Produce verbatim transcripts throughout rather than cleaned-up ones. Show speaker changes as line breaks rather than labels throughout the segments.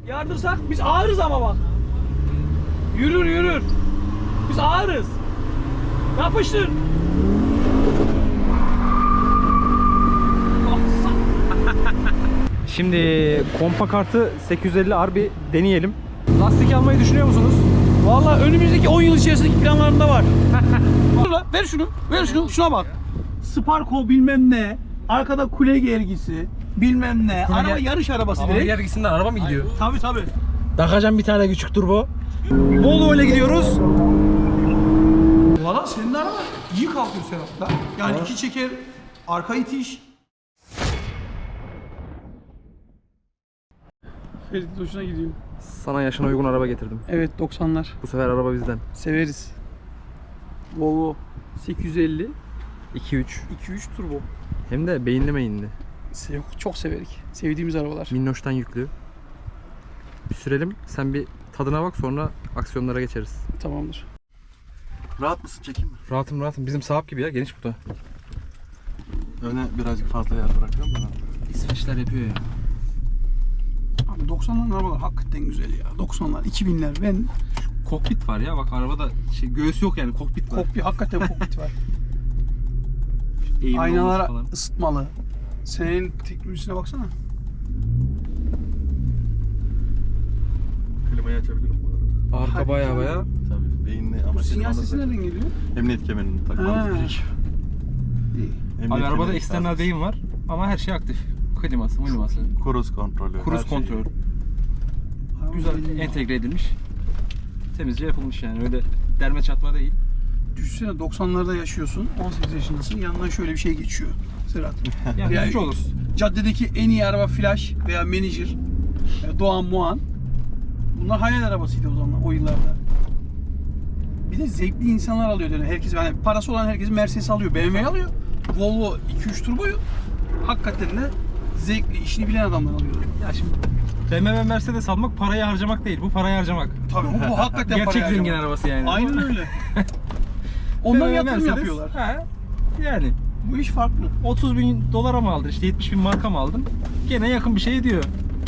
Yardırsak biz ağırız ama bak. Yürür yürür. Biz ağırız. Yapıştır.
Şimdi kompa kartı sekiz yüz elli R bir deneyelim. Lastik almayı düşünüyor musunuz?
Vallahi önümüzdeki on yıl içerisindeki planlarımda var. Dur lan, ver şunu, ver şunu, şuna bak. Sparko bilmem ne, arkada kule gergisi, bilmem ne,
Kule
araba
ger-
yarış arabası
Ama
direkt.
gergisinden araba mı gidiyor?
Tabii tabii.
Takacağım bir tane küçük turbo. Volvo ile gidiyoruz.
Valla senin de araba iyi kalkıyor Serhat'ta. Yani
Ha.
iki çeker, arka itiş. Ferit hoşuna gidiyor.
Sana yaşına uygun araba getirdim.
Evet doksanlar.
Bu sefer araba bizden.
Severiz. Volvo sekiz yüz elli
iki üç.
iki üç turbo.
Hem de beyinli meyinli.
Sev çok severik. Sevdiğimiz arabalar.
Minnoş'tan yüklü. Bir sürelim. Sen bir tadına bak, sonra aksiyonlara geçeriz.
Tamamdır.
Rahat mısın? Çekeyim mi?
Rahatım rahatım. Bizim sahap gibi ya. Geniş bu da.
Öne birazcık fazla yer bırakıyorum da.
İsveçler yapıyor ya.
Abi doksanların arabalar hakikaten güzel ya. doksanlar, iki binler. Ben
Kokpit var ya. Bak arabada şey, göğüs yok yani. Kokpit var.
kokpit, hakikaten kokpit var.
Eğimli
Aynalar
olması falan.
ısıtmalı. Senin teknolojisine baksana.
Klimayı açabilirim bu arada.
Arka
Hadi
baya
canım.
baya.
Tabii beyinli ama
Bu
senin
sinyal
ona
sesi
zaten
nereden geliyor?
Emniyet kemerini
Ha.
takmamız gerekiyor.
İyi.
Emniyet
Abi arabada
kemeri
eksternal
lazım.
deyim var ama her şey aktif. Kliması, kliması,
Cruise kontrolü.
cruise
her şey.
kontrol.
Araba
Güzel
belli ya.
entegre edilmiş. Temizce yapılmış yani, öyle derme çatma değil.
Düşünsene doksanlarda yaşıyorsun, on sekiz yaşındasın, yanından şöyle bir şey geçiyor Serhat.
Yani
Yani-
üzücü olur.
Caddedeki en iyi araba Flash veya Manager, e, Doğan Muan. Bunlar hayal arabasıydı o zaman, o yıllarda. Bir de zevkli insanlar alıyor yani. Herkes, yani parası olan herkes Mercedes alıyor, B M W alıyor. Volvo iki üç turboyu hakikaten de zevkli, işini bilen adamlar alıyor.
Ya şimdi B M W Mercedes almak parayı harcamak değil, bu parayı harcamak.
Tabii bu, bu hakikaten
Gerçek
parayı
zengin
harcamak.
arabası yani.
Aynen öyle. Onlar
B M W
yatırım
Mercedes,
yapıyorlar.
He, yani
Bu iş farklı.
otuz bin dolara mı aldın, işte yetmiş bin marka mı aldın? Gene yakın bir şey ediyor.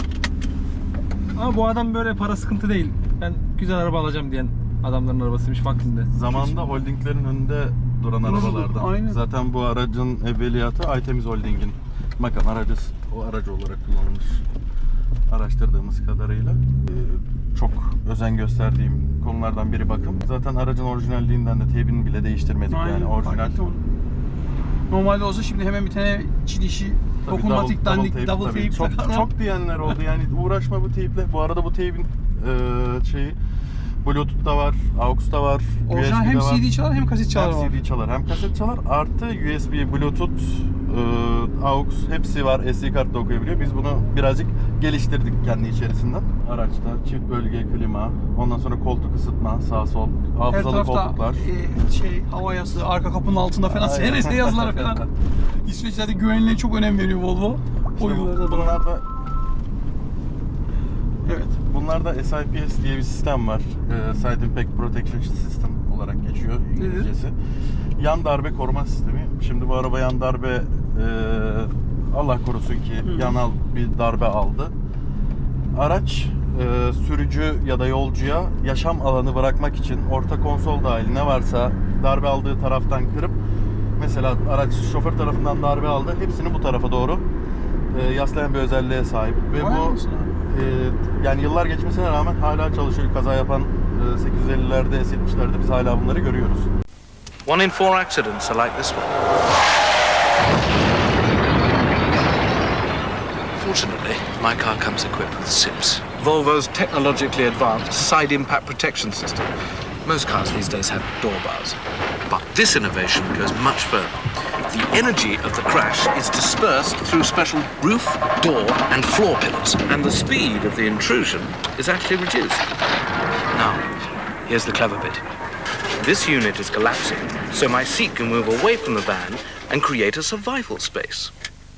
Ama bu adam böyle para sıkıntı değil. Ben güzel araba alacağım diyen adamların arabasıymış vaktinde.
Zamanında holdinglerin önünde duran
Dururdu,
arabalardan.
aynen.
Zaten bu aracın evveliyatı Aytemiz Holding'in makam aracı, o aracı olarak kullanılmış. Araştırdığımız kadarıyla Ee, çok özen gösterdiğim konulardan biri bakım. Zaten aracın orijinalliğinden de teybini bile değiştirmedik yani orijinal.
hakikaten onu. Normalde olsa şimdi hemen bir tane Çin işi,
Tabii
dokunmatik,
double-
dandik,
double
double
tape,
tape,
tabii. Çok,
takarlar.
çok diyenler oldu yani uğraşma bu teyple. Bu arada bu teybin e, şeyi Bluetooth da var, A U X da var,
Orijinal
U S B
hem
de var.
C D çalar hem kaset çalar
Hem
var.
C D çalar hem kaset çalar, artı U S B, Bluetooth, e, A U X hepsi var, S D kart da okuyabiliyor. Biz bunu birazcık geliştirdik kendi içerisinden. Araçta çift bölge klima, ondan sonra koltuk ısıtma, sağ sol,
Her
hafızalı
tarafta
koltuklar.
e, şey hava yastığı, arka kapının altında falan
Aynen.
S R S yazıları falan. İsveçlerde güvenliğe çok önem veriyor Volvo.
İşte
O
bu-
yıllarda da.
bunlar da
Evet.
Bunlarda S I P S diye bir sistem var. Ee, Side Impact Protection System olarak geçiyor İngilizcesi. Yan darbe koruma sistemi. Şimdi bu araba yan darbe e, Allah korusun ki
Hı.
yanal bir darbe aldı. Araç e, sürücü ya da yolcuya yaşam alanı bırakmak için orta konsol dahil ne varsa darbe aldığı taraftan kırıp, mesela araç şoför tarafından darbe aldı, hepsini bu tarafa doğru e, yaslayan bir özelliğe sahip. Ve
Vay
bu
anasını.
Ee, yani yıllar geçmesine rağmen hala çalışıyor. Kaza yapan e, sekiz yüz ellilerde, S yetmişlerde biz hala bunları görüyoruz.
One in four accidents are like this one. Fortunately, my car comes equipped with S I P S, Volvo's technologically advanced side impact protection system. Most cars these days have door bars, but this innovation goes much further. The energy of the crash is dispersed through special roof, door, and floor pillars, and the speed of the intrusion is actually reduced. Now, here's the clever bit. This unit is collapsing, so my seat can move away from the van and create a survival space.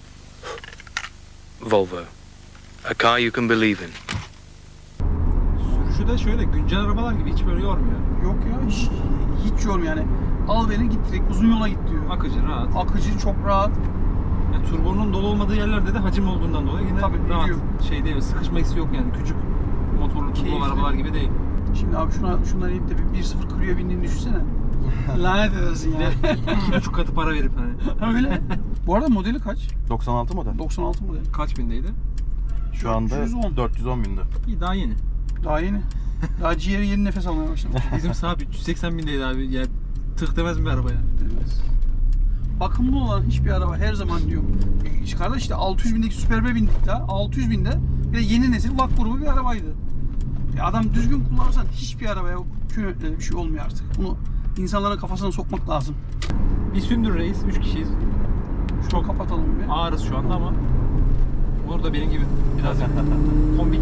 Volvo, a car you can believe in.
Sürüşü de şöyle güncel arabalar gibi hiç böyle yormuyor.
Yok ya hiç, hiç yormuyor yani. Al beni git direkt uzun yola git diyor.
Akıcı, rahat.
Akıcı, çok rahat.
Yani turbonun dolu olmadığı yerlerde de hacim olduğundan dolayı yine
Tabii,
rahat.
biliyor.
Şey değil, sıkışma hissi yok yani, küçük. motorlu
Keyifli.
turbolu arabalar gibi değil.
Şimdi abi şuna şundan inip de bir bir sıfır Clio'ya bindiğini düşünsene. Lanet edersin
Bir de
ya.
iki buçuk katı para verip hani.
Öyle. Bu arada modeli kaç?
doksan altı model.
doksan altı model.
Kaç bindeydi?
Şu anda
dört yüz on.
dört yüz on binde.
İyi, daha yeni.
Daha yeni. Daha ciğeri yeni nefes almaya başlamış.
Bizim sahip üç yüz seksen bindeydi abi. Yani tık demez mi bir arabaya?
Evet. Bakımlı olan hiçbir araba her zaman diyor. İşte kardeş işte altı yüz bindeki Superb'e bindik daha. altı yüz binde bir de yeni nesil V A K grubu bir arabaydı. Ya adam düzgün kullanırsan hiçbir arabaya kıymetli bir şey olmuyor artık. Bunu insanların kafasına sokmak lazım.
Bir sündür reis. Üç kişiyiz.
Şunu kapatalım bir.
Ağırız şu anda ama burada benim gibi biraz kombik.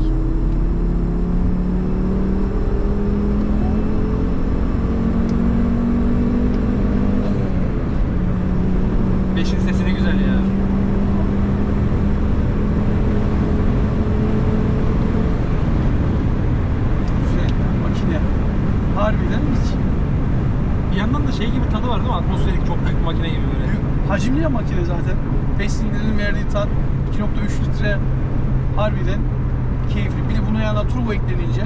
Beşin sesi ne güzel ya.
Güzel makine. Harbiden hiç.
Bir yandan da şey gibi tadı var değil mi? Atmosferik çok büyük bir makine gibi böyle.
Büyük, hacimli ya makine zaten. beş silindirin verdiği tat iki nokta üç litre harbiden keyifli. Bir de buna yanına turbo eklenince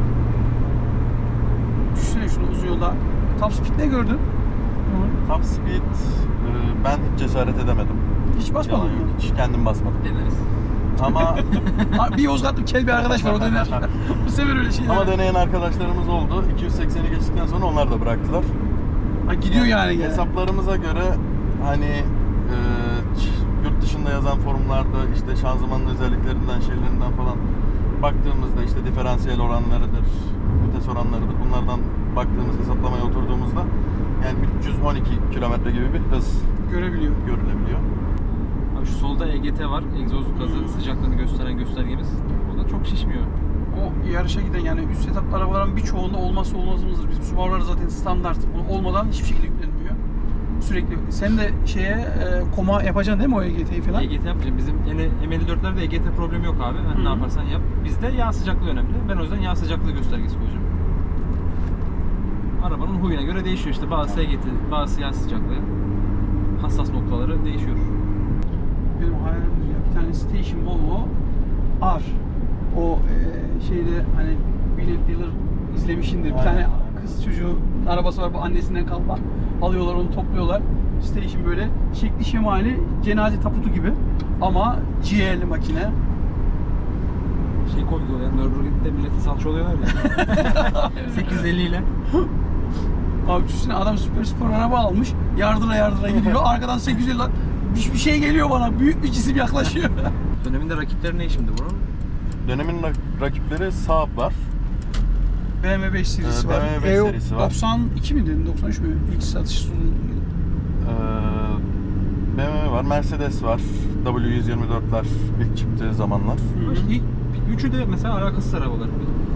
düşünsene şunu uzun yolda. Top speed ne gördün?
Top speed e, ben hiç cesaret edemedim.
Hiç basmadın
Yalan
mı?
yok, hiç kendim basmadım.
Deneriz.
Ama
Abi bir Yozgatlı kel bir arkadaş var o dener. Bu sefer öyle şeyler.
ama deneyen arkadaşlarımız oldu. iki yüz sekseni geçtikten sonra onlar da bıraktılar.
Ha, gidiyor yani gene.
Hesaplarımıza göre hani e, ç- yurt dışında yazan forumlarda işte şanzımanın özelliklerinden, şeylerinden falan baktığımızda işte diferansiyel oranlarıdır, vites oranlarıdır. Bunlardan baktığımız, hesaplamaya oturduğumuzda yani üç yüz on iki kilometre gibi bir hız
Görebiliyor.
görülebiliyor.
Abi şu solda E G T var. Egzoz gazı sıcaklığını gösteren göstergemiz. O da çok şişmiyor.
O yarışa giden yani üst setuplı arabaların birçoğunda olmazsa olmazımızdır. Bizim Subaru'lar zaten standart. Onu olmadan hiçbir şekilde yüklenmiyor. Sürekli. Sen de şeye e, koma yapacaksın değil mi o E G T'yi falan?
E G T yapmayacağım. Bizim yine M elli dörtlerde E G T problemi yok abi. Hani
Hı.
ne yaparsan yap. Bizde yağ sıcaklığı önemli. Ben o yüzden yağ sıcaklığı göstergesi koyacağım. Arabanın huyuna göre değişiyor işte. Bazısı E G T, bazısı yağ sıcaklığı. Hassas noktaları değişiyor.
Benim hayalim ya bir tane Station Volvo R. O e, şeyde hani Billet Dealer izlemişindir. Bir
Aynen.
tane kız çocuğu arabası var bu annesinden kalma. Alıyorlar onu topluyorlar. Station böyle şekli şemali cenaze taputu gibi ama ciğerli makine.
Şey koyuyorlar yani Nürburgring'de millete salça oluyorlar ya. sekiz yüz elli ile.
Abi düşünsene adam süper spor araba almış. Yardıra yardıra gidiyor. Arkadan sekiz yüz elli bir, bir şey geliyor bana. Büyük bir cisim yaklaşıyor.
Döneminde rakipleri ne şimdi bunun?
Dönemin rak- rakipleri Saab var.
B M W beş serisi
Ee,
var.
B M W beş
E O
serisi var.
doksan iki mi dedin? doksan üç mü? İlk satış sonu.
Ee, B M W var, Mercedes var. W yüz yirmi dörtler ilk çıktığı zamanlar.
Hı hı.
İlk, üçü de mesela alakasız arabalar.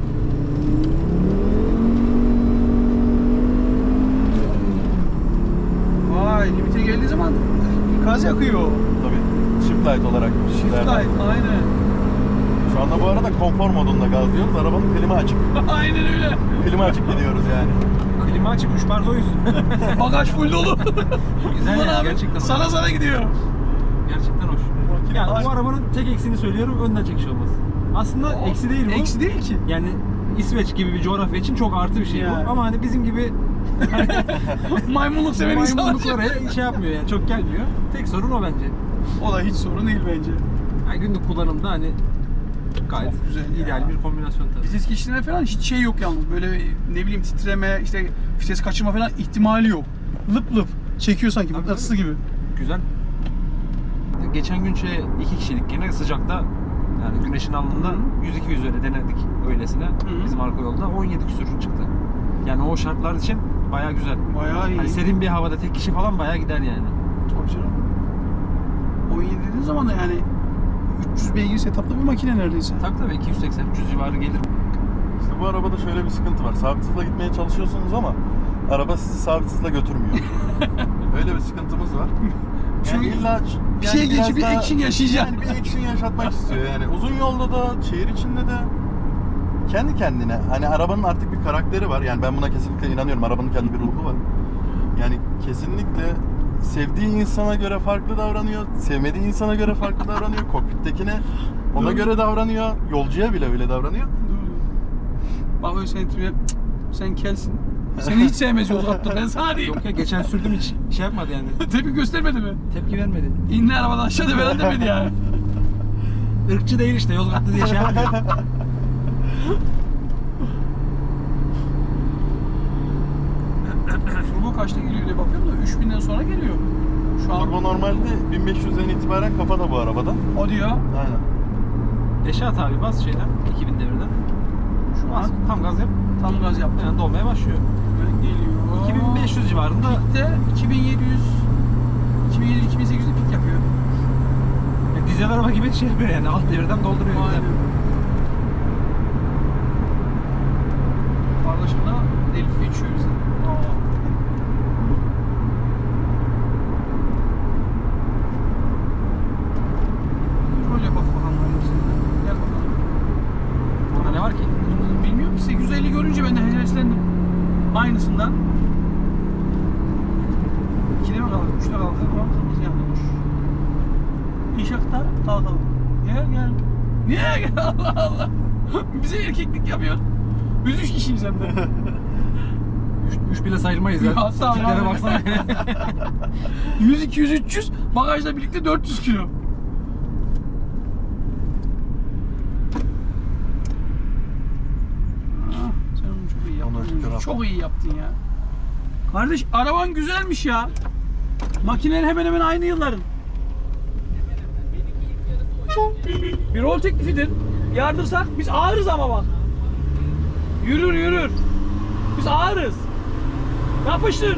Vay limite geldiği zaman gaz yakıyor.
Tabii Shift Light olarak.
Shift
derler.
light aynen.
Şu anda bu arada konfor modunda gaz diyoruz. Arabanın klima açık.
Aynen öyle.
Klima açık gidiyoruz yani.
Klima açık, üç bar zoyuz.
Bagaj full dolu.
Güzel
Ulan
yani,
abi,
gerçekten hoş.
sana sana gidiyor.
Gerçekten hoş. Yani bu arabanın tek eksiğini söylüyorum, önden çekiş olması. Aslında eksi değil bu.
Eksi değil ki.
Yani İsveç gibi bir coğrafya için çok artı bir şey
Yani.
bu. Ama hani bizim gibi
Maymunluk seven insanlar.
maymunluklara şey yapmıyor yani, çok gelmiyor. Tek sorun o bence.
O da hiç sorun değil bence.
Yani günlük kullanımda hani gayet
Çok güzel ya.
ideal bir kombinasyon tabii.
Vites geçişlerine falan hiç şey yok yalnız. Böyle ne bileyim titreme, işte vites kaçırma falan ihtimali yok. Lıp lıp çekiyor sanki
Tabii,
mıknatısı gibi.
Güzel. Geçen gün şey iki kişilik gene sıcakta yani güneşin alnında
Hı.
yüz iki yüz öyle denedik öylesine
Hı.
bizim arka yolda on yedi küsur çıktı. Yani o şartlar için bayağı güzel.
Bayağı iyi.
Hani serin bir havada tek kişi falan bayağı gider yani.
Tabii canım. on yedi dediğin zaman da yani üç yüz beygir setuplı bir makine neredeyse.
Tabii tabii iki yüz seksen üç yüz civarı gelir.
İşte bu arabada şöyle bir sıkıntı var. Sabit hızla gitmeye çalışıyorsunuz ama araba sizi sabit hızla götürmüyor. Öyle bir sıkıntımız var. Yani
Çünkü
illa
bir
yani
şey
biraz
geçip bir
daha-
action yaşayacaksın.
Yani bir action yaşatmak istiyor yani. Uzun yolda da, şehir içinde de kendi kendine. Hani arabanın artık bir karakteri var. Yani ben buna kesinlikle inanıyorum. Arabanın kendi bir ruhu var. Yani kesinlikle sevdiği insana göre farklı davranıyor. Sevmediği insana göre farklı davranıyor. Kokpittekine ona
Doğru.
göre davranıyor. Yolcuya bile öyle davranıyor.
Bakıyor senin tipine, "Cık, sen kelsin. Seni hiç sevmez Yozgat'ta, ben sana diyeyim.
Yok ya, geçen sürdüm hiç şey yapmadı yani.
Tepki göstermedi mi?
Tepki vermedi.
İnle arabadan aşağıda falan demedi yani.
Irkçı değil işte, Yozgatlı diye şey yapmıyor.
Turbo kaçta geliyor diye bakıyorum da üç binden sonra geliyor. Şu an
Turbo normalde bin beş yüzden itibaren kafada bu arabada.
o diyor.
Aynen.
Eşat abi bas şeyden, iki bin devirden.
Şu
Bas,
an
tam gaz yap.
tam gaz yaptı.
Yani dolmaya başlıyor.
Böyle geliyor.
iki bin beş yüz civarında.
Pikte iki bin yedi yüz iki bin yedi yüz iki bin sekiz yüzde pik yapıyor.
Yani dizel araba gibi şey yapıyor yani, alt devirden dolduruyor.
Aynen. Kardeşimle delip geçiyor bize. Rol yap bakalım hepsinde. Gel bakalım.
Burada ne var ki?
Bilmiyorum ki sekiz yüz elli görünce ben de heveslendim. Aynısından. ikide mi kaldı? üçte kaldı ama kırmızı yanmış. İnşaatta kalkalım. Gel gel. Niye gel Allah Allah. Bize erkeklik yapıyor. Biz üç kişiyiz hem de.
üç bile sayılmayız ya.
Hatta
Tiplere
abi.
baksana.
yüz, iki yüz, üç yüz. Bagajla birlikte dört yüz kilo. Ah, sen onu çok iyi
Ona şükür
yaptın.
abi.
Çok iyi yaptın ya. Kardeş araban güzelmiş ya. Makinenin hemen hemen aynı yılların. Bir rol teklifidir. Yardırsak biz ağırız ama bak. Yürür yürür. Biz ağırız. Yapıştır.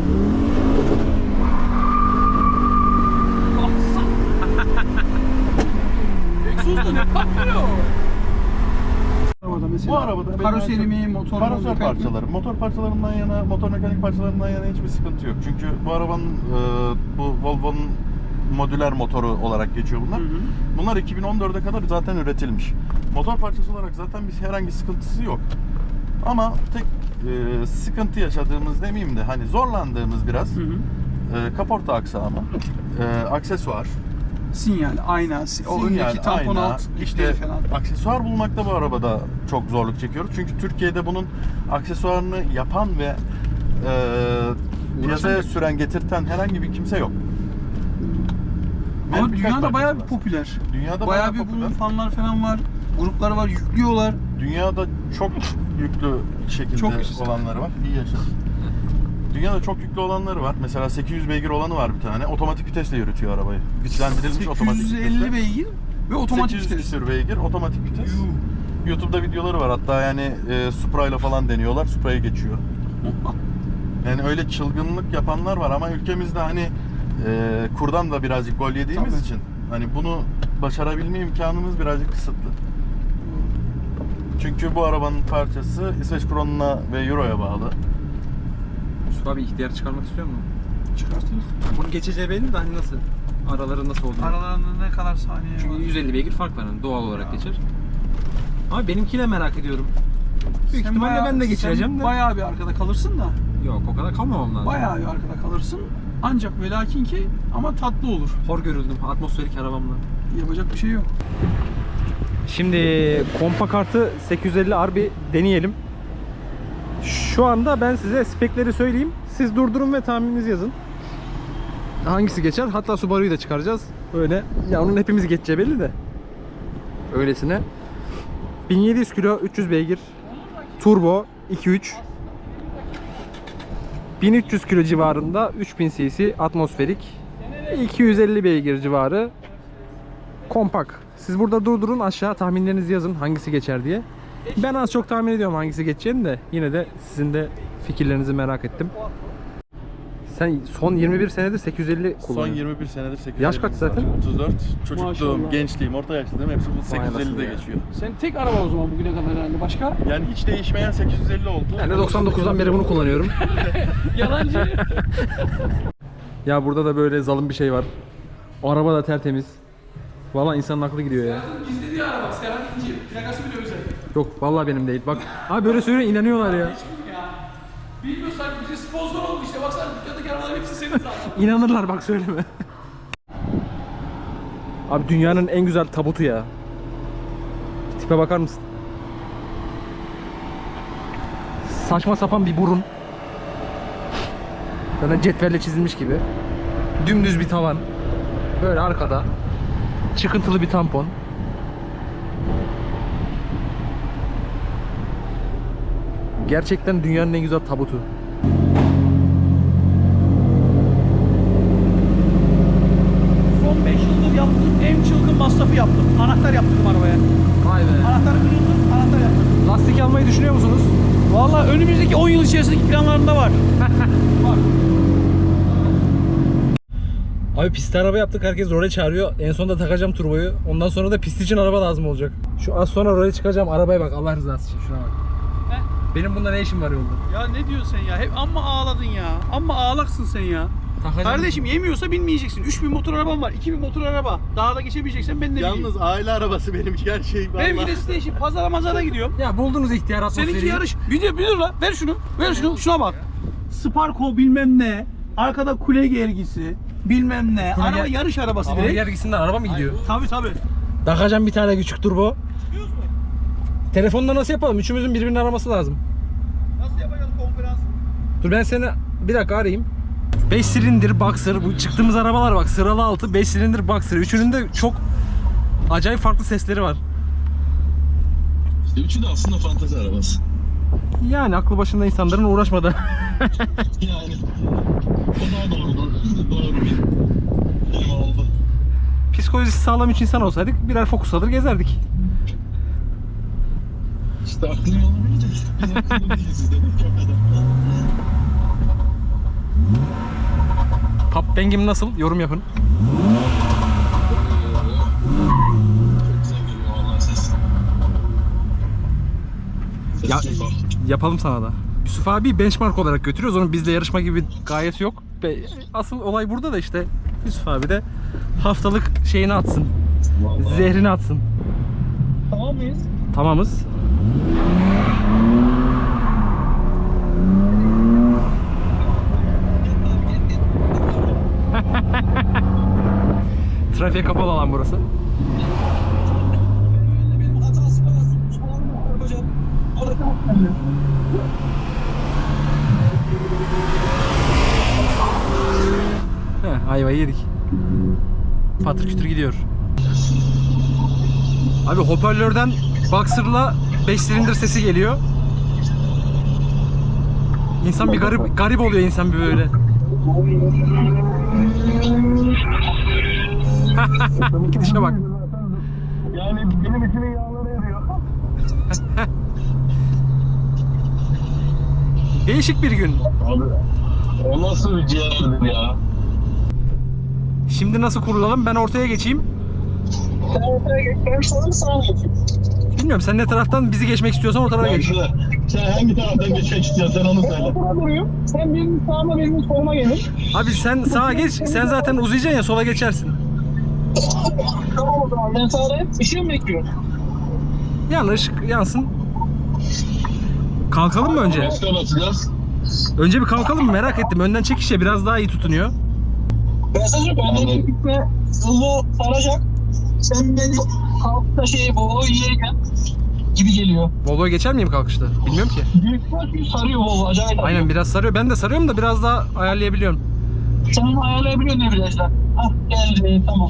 Egzoz da ne patlıyor? Arabada mesela
Bu arabada benim
karoseri
en
mi,
çok-
motor mu?
Karosör
mekanik mi?
parçaları. Motor parçalarından yana, motor mekanik parçalarından yana hiçbir sıkıntı yok. Çünkü bu arabanın e, bu Volvo'nun modüler motoru olarak geçiyor bunlar.
Hı hı.
Bunlar iki bin on dörde kadar zaten üretilmiş. Motor parçası olarak zaten bir herhangi sıkıntısı yok. Ama tek e, sıkıntı yaşadığımız demeyeyim de hani zorlandığımız biraz
Hı hı.
e, kaporta aksamı, e, aksesuar,
Sinyal, ayna, o
sinyal,
öndeki tampon
ayna,
alt,
işte
işte falan.
aksesuar bulmakta bu arabada çok zorluk çekiyoruz. Çünkü Türkiye'de bunun aksesuarını yapan ve e, piyasaya
Uğraşan-
süren, getirten herhangi bir kimse yok. Ve
Ama
birkaç
dünyada bayağı bir
markası var.
popüler.
Dünyada
Bayağı
bayağı
bir
popüler.
bunun fanlar falan var. Grupları var, yüklüyorlar.
Dünyada çok yüklü şekilde
Çok yaşasın.
olanları var. İyi yaşasın. Dünyada çok yüklü olanları var. Mesela sekiz yüz beygir olanı var bir tane. Otomatik vitesle yürütüyor arabayı. Güçlendirilmiş otomatik
sekiz yüz
vitesle.
elli beygir ve otomatik
sekiz yüz
vites.
küsür beygir, otomatik vites.
Yuh.
YouTube'da videoları var. Hatta yani e, Supra ile falan deniyorlar. Supra'ya geçiyor. Yani öyle çılgınlık yapanlar var ama ülkemizde hani e, kurdan da birazcık gol yediğimiz
Tabii.
için hani bunu başarabilme imkanımız birazcık kısıtlı. Çünkü bu arabanın parçası İsveç kronuna ve euroya bağlı.
Yusuf abi ihtiyar çıkarmak istiyor mu?
Çıkartırız.
Bunun geçeceği belli de hani nasıl? Araları nasıl olduğunu.
Aralarında ne kadar saniye
Çünkü
var?
yüz elli beygir fark var hani doğal olarak geçer. Ama benimkiyle merak ediyorum. Büyük
Sen
ihtimalle
bayağı-
ben de geçireceğim
sen
de.
bayağı bir arkada kalırsın da.
Yok o kadar kalmamam lazım.
Bayağı bir arkada kalırsın. Ancak ve lakin ki ama tatlı olur.
Hor görüldüm atmosferik arabamla.
Yapacak bir şey yok.
Şimdi kompa kartı sekiz yüz elli R bir deneyelim. Şu anda ben size spekleri söyleyeyim. Siz durdurun ve tahmininizi yazın. Hangisi geçer? Hatta Subaru'yu da çıkaracağız. Öyle. Ya onun hepimiz geçeceği belli de. Öylesine. bin yedi yüz kilo, üç yüz beygir. Turbo iki üç. bin üç yüz kilo civarında, üç bin cc atmosferik. iki yüz elli beygir civarı. Kompak. Siz burada durdurun, aşağı tahminlerinizi yazın hangisi geçer diye. Ben az çok tahmin ediyorum hangisi geçeceğini de yine de sizin de fikirlerinizi merak ettim. Sen son yirmi bir senedir sekiz yüz elli
Son
kullanıyorsun.
yirmi bir senedir sekiz yüz elli
Yaş kaç zaten?
otuz dört. Çocukluğum,
Maşallah.
gençliğim, orta yaşlılığım hepsi bu sekiz yüz ellide
ya.
geçiyor.
Sen tek araba o zaman bugüne kadar herhalde. Başka?
Yani hiç değişmeyen sekiz yüz elli oldu.
Ben de doksan dokuzdan beri bunu kullanıyorum.
Yalancı.
Ya burada da böyle zalim bir şey var. O araba da tertemiz. Vallahi insanın aklı gidiyor ya.
İzlediği araba. Serhat İnci. Plakası bile özel.
Yok vallahi benim değil. Bak abi böyle söylüyor inanıyorlar ya.
Ya. Bilmiyorsan bize sponsor oldu işte. Baksana dükkandaki arabaların hepsi senin zaten.
İnanırlar bak söyleme. Abi dünyanın en güzel tabutu ya. Tipe bakar mısın? saçma sapan bir burun. Zaten cetvelle çizilmiş gibi. Dümdüz bir tavan. Böyle arkada. Çıkıntılı bir tampon. Gerçekten dünyanın en güzel tabutu.
Son beş yıldır yaptığım en çılgın masrafı yaptım. Anahtar yaptırdım arabaya.
Vay be.
Anahtar kırıldı, anahtar yaptırdım.
Lastik almayı düşünüyor musunuz?
Vallahi önümüzdeki on yıl içerisindeki planlarımda var. Var.
Abi pist araba yaptık, herkes role çağırıyor. En sonunda takacağım turboyu. Ondan sonra da pist için araba lazım olacak. Şu az sonra role çıkacağım, arabaya bak Allah rızası için şuna bak.
He?
Benim bunda ne işim var yolda?
Ya ne diyorsun sen ya? Hep amma ağladın ya. Amma ağlaksın sen ya.
Takacağım.
Kardeşim yemiyorsa binmeyeceksin. üç bin motor arabam var. iki bin motor araba. Daha da geçemeyeceksen ben de bineyim.
Yalnız aile arabası benimki, her şey var.
Benimki de station. Pazara mazara gidiyorum.
Ya buldunuz ihtiyar atmosferi.
Seninki yarış. Bir dur, bir dur la. Ver şunu. Ver şunu. Şuna bak. Sparko bilmem ne. Arkada kule gergisi. Bilmem ne.
Kule
Araba
ger-
yarış arabası
Ama
direkt.
gergisinden araba mı gidiyor?
Tabii tabii.
Takacağım bir tane küçük turbo. Telefonda nasıl yapalım? Üçümüzün birbirini araması lazım.
Nasıl yapacağız konferans?
Dur ben seni bir dakika arayayım. beş silindir Boxer. Bu çıktığımız arabalar bak sıralı altı beş silindir Boxer. Üçünün de çok acayip farklı sesleri var.
İşte üçü de aslında fantezi arabası.
Yani aklı başında insanların uğraşmadı.
Yani o daha doğru, doğru bir kelime oldu.
Psikolojisi sağlam üç insan olsaydık birer Focus alır gezerdik.
İşte aklın yolu bilecek. Biz akıllı değiliz demek o kadar.
Pop bang'im nasıl? Yorum yapın.
Çok güzel geliyor vallahi ses. Ses
Ya-
çok hoş.
Yapalım sana da. Yusuf abi benchmark olarak götürüyoruz. Onun bizle yarışma gibi bir gayesi yok. Ve asıl olay burada da işte Yusuf abi de haftalık şeyini atsın.
Vallahi.
Zehrini atsın.
Tamam mıyız?
Tamamız. Trafiğe kapalı alan burası. Heh, ayvayı yedik. Patır kütür gidiyor. Abi hoparlörden Boxer'la beş silindir sesi geliyor. İnsan bir garip garip oluyor insan bir böyle. Gidişe bak.
Yani benim içimin yağları eriyor.
Değişik bir gün.
Abi o nasıl bir ciğerdir ya?
Şimdi nasıl kurulalım? Ben ortaya geçeyim.
Sen ortaya geç, ben sana mı sağa geçeyim?
Bilmiyorum sen ne taraftan bizi geçmek istiyorsan o tarafa
Ben
geç.
şöyle, sen hangi taraftan geçmek istiyorsun sen onu söyle.
Ortada duruyor. Sen benim sağıma benim soluma gelin.
Abi sen sağa geç. Sen zaten uzayacaksın ya sola geçersin.
Tamam o zaman ben sağdayım. Işığı mı bekliyorum?
Yan ışık yansın. Kalkalım mı önce?
Başka basacağız.
Önce bir kalkalım mı? Merak ettim. Önden çekişe biraz daha iyi tutunuyor.
Mesajı benden gitme hızlı saracak. Sen beni kalkta şeyi bolu yiyeceğim gibi geliyor.
Volvo'ya geçer miyim kalkışta? Bilmiyorum ki.
Büyük bir sarıyor bolu acayip.
Aynen biraz sarıyor. Ben de sarıyorum da biraz daha ayarlayabiliyorum.
Sen onu ayarlayabiliyorsun ne virajda. Hah geldi tamam.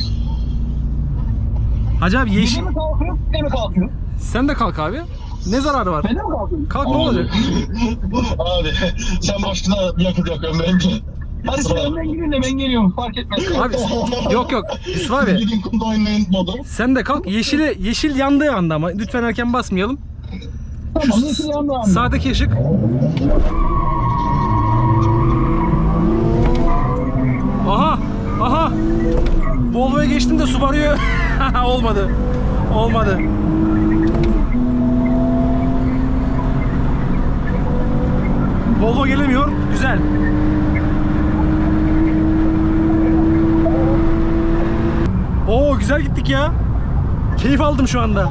Hacı abi yeşil.
Biri mi kalkıyor? Biri mi kalkıyor?
Sen de kalk abi. Ne zararı var?
Ben de mi kalkıyorum?
Kalk ne olacak?
Abi sen başına yakıt yakıyorsun bence.
Hadi sen önden gidin de ben geliyorum. Fark etmez.
Abi yok yok. Yusuf abi
Gidin kumda oynayın modu.
sen de kalk. Yeşili, yeşil yandığı anda ama lütfen erken basmayalım.
Tamam yeşil yandı abi.
Sağdaki ışık. Aha! Aha! Volvo'ya geçtim de Subaru'ya olmadı. Olmadı. Volvo gelemiyor. Güzel. Oo güzel gittik ya. Keyif aldım şu anda.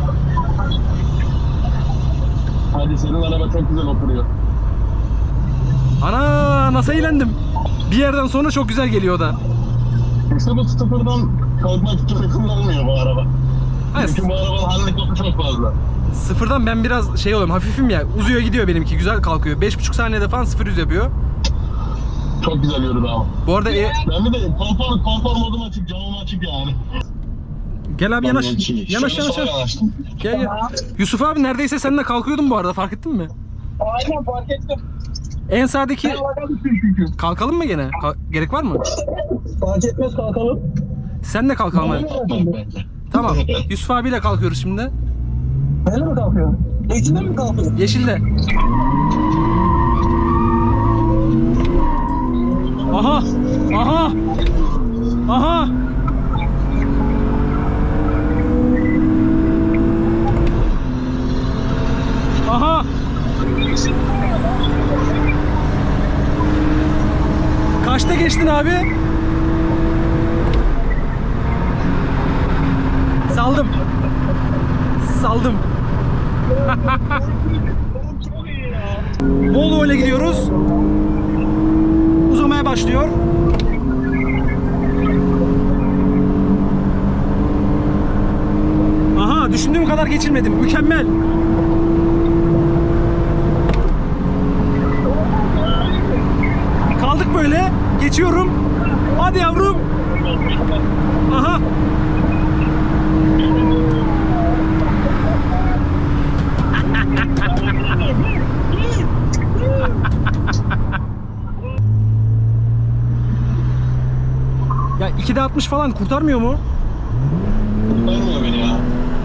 Hadi senin araba çok güzel oturuyor.
Ana nasıl eğlendim. Bir yerden sonra çok güzel geliyor o da.
İşte bu sıfırdan kalkmak için kullanılmıyor bu araba.
Hayır,
Çünkü bu arabanın handikapı çok fazla.
sıfırdan ben biraz şey oluyorum, hafifim ya, uzuyor gidiyor benimki, güzel kalkıyor. beş buçuk saniyede falan sıfır yüz yapıyor.
Çok güzel yürüdü ama.
Bu arada e,
Ben bir de konfor, konfor modum açık, camım açık yani.
gel abi yanaş,
Şöyle
yanaş yanaş.
sola
yanaş.
yanaştım.
Gel gel. Yusuf abi neredeyse seninle kalkıyordum bu arada, fark ettin mi?
Aynen fark ettim.
En sağdaki
Ben laka düştüm çünkü.
kalkalım mı gene? Kal- gerek var mı?
Fark etmez kalkalım.
Sen de kalkalım hadi.
Bence.
Tamam. Yusuf abiyle kalkıyoruz şimdi.
Neyle mi kalkıyor? Eğitimde mi kalkıyor?
Yeşilde. Aha! Aha! Aha! Aha! Kaçta geçtin abi? Saldım. Saldım. Volvo ile gidiyoruz. Uzamaya başlıyor. Aha, düşündüğüm kadar geçilmedim. Mükemmel. Kaldık böyle. Geçiyorum. Hadi yavrum. Aha. Ya ikide altmış falan kurtarmıyor mu?
Kurtarmıyor beni ya.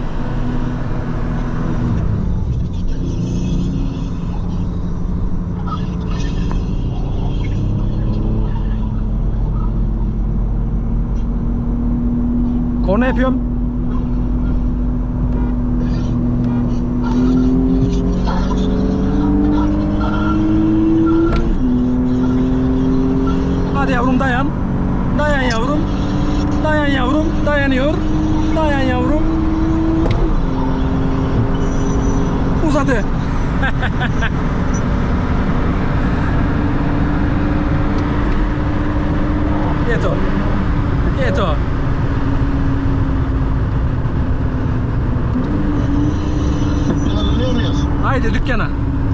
Korna yapıyorum. Hadi yavrum dayan. Dayan yavrum. Dayan yavrum. Dayanıyor. Dayan yavrum. Uzadı. Yeto. Yeto.
Dükkana dönüyor muyuz?
Haydi dükkana.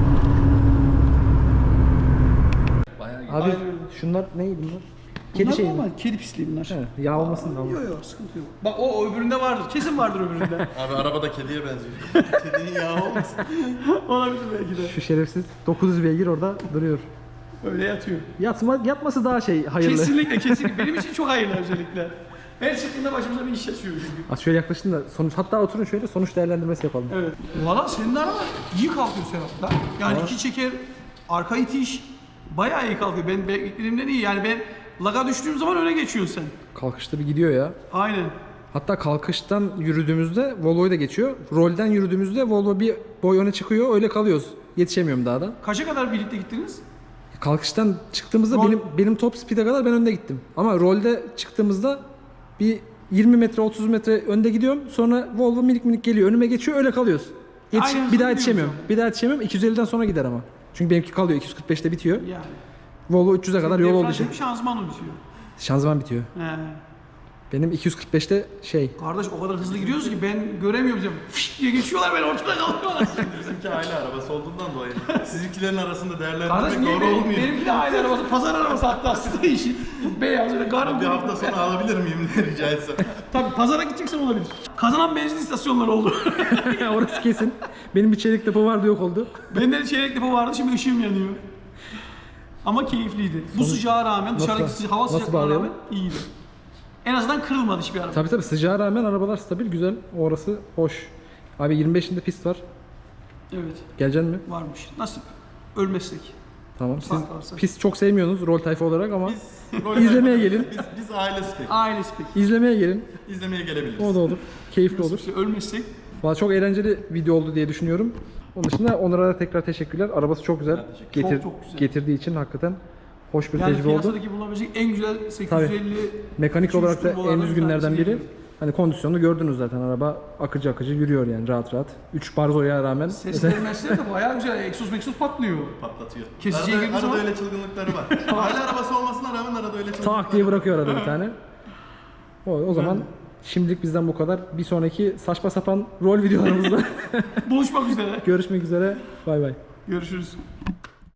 Abi şunlar neydi bunlar? Kedi
Bunlar
şey mi?
normal, kedi pisliği bunlar.
He, yağ olmasın da.
Yok yok, sıkıntı yok. Bak o, o öbüründe vardır. Kesin vardır öbüründe.
Abi araba da kediye benziyor. Kedinin yağı olmasın.
Olabilir belki de.
Şu şerefsiz dokuz yüz beygir orada duruyor.
Öyle yatıyor.
Yatma, yatması daha şey hayırlı.
Kesinlikle kesinlikle. Benim için çok hayırlı özellikle. Her çıktığında başımıza bir iş açıyor çünkü.
Az şöyle yaklaşın da sonuç, hatta oturun şöyle sonuç değerlendirmesi yapalım.
Evet. Valla senin araba iyi kalkıyor Serhat'la. Yani iki çeker, arka itiş bayağı iyi kalkıyor. Ben beklediğimden iyi. Yani ben laga düştüğüm zaman öne geçiyorsun sen.
Kalkışta bir gidiyor ya.
Aynen.
Hatta kalkıştan yürüdüğümüzde Volvo'yu da geçiyor. Rolden yürüdüğümüzde Volvo bir boy öne çıkıyor. Öyle kalıyoruz. Yetişemiyorum daha da.
Kaça kadar birlikte gittiniz?
Kalkıştan çıktığımızda
Rol-
benim benim top speed'e kadar ben önde gittim. Ama rolde çıktığımızda bir yirmi metre otuz metre önde gidiyorum. Sonra Volvo minik minik geliyor. Önüme geçiyor. Öyle kalıyoruz. Yetiş-
Aynı
bir
hızlı
daha yetişemiyorum.
gidiyorsun.
Bir daha yetişemiyorum. iki yüz elliden sonra gider ama. Çünkü benimki kalıyor. iki yüz kırk beşte bitiyor.
Yani.
Volvo üç yüze kadar yol olduğu için.
Defransiyonu şanzıman bitiyor.
Şanzıman bitiyor.
He.
Benim iki yüz kırk beşte şey.
Kardeş o kadar hızlı gidiyoruz ki ben göremiyorum. Diyorum. Fışt diye geçiyorlar, ben ortada kalıyorum.
Bizimki aile arabası olduğundan dolayı. Sizinkilerin arasında
Kardeş
değerlendirmek
niye
doğru
benim,
olmuyor.
benimki de aile arabası, pazar arabası hatta aslında işi. Beyaz öyle garın
Bir hafta sonra alabilir miyim diye rica etsem.
Tabii pazara gideceksen olabilir. Kazanan benzin istasyonları oldu.
Orası kesin. Benim bir çelik depo vardı, yok oldu.
Bende de çeyrek depo vardı, şimdi ışığım yanıyor. Ama keyifliydi. Bu sıcağa rağmen, dışarıdaki
Nasıl-
sıca- hava
nasıl
sıcaklığına
bağlayalım?
rağmen iyiydi. En azından kırılmadı hiçbir araba.
Tabii tabii sıcağa rağmen arabalar stabil, güzel. Orası hoş. Abi yirmi beşinde pist var.
Evet,
Geleceksin mi?
varmış. Nasip. Ölmezsek.
Tamam. Siz
Fark varsa.
pist çok sevmiyorsunuz rol tayfa olarak ama
Rol
İzlemeye
yapmak-
gelin.
Biz, biz aile spek.
Ailesi pek.
izlemeye gelin.
İzlemeye gelebiliriz.
O da olur. Keyifli olur.
İşte ölmezsek.
Valla çok eğlenceli video oldu diye düşünüyorum. Onun dışında Onur'a da tekrar teşekkürler. Arabası çok güzel. Getir,
Çok çok güzel.
Getirdiği için hakikaten hoş bir
Yani
tecrübe oldu.
piyasadaki bulabilecek en güzel sekiz yüz elli
Mekanik
iki yüz
olarak da en
turbolardan bir
düzgünlerden
tanesi
biri.
diyebilirim.
Hani kondisyonunu gördünüz zaten, araba akıcı akıcı yürüyor yani rahat rahat. üç barzoya rağmen.
Sesleri mesleri de bayağı güzel. Egzoz meksoz patlıyor.
Patlatıyor.
Kesiciye
arada,
girdiği
arada
zaman-
öyle çılgınlıkları var. Aile arabası olmasına rağmen arada öyle çılgınlıkları
Tak diye bırakıyor arada bir tane. O, o zaman Şimdilik bizden bu kadar. Bir sonraki saçma sapan rol videolarımızda
Buluşmak üzere.
görüşmek üzere. Bay bay.
Görüşürüz.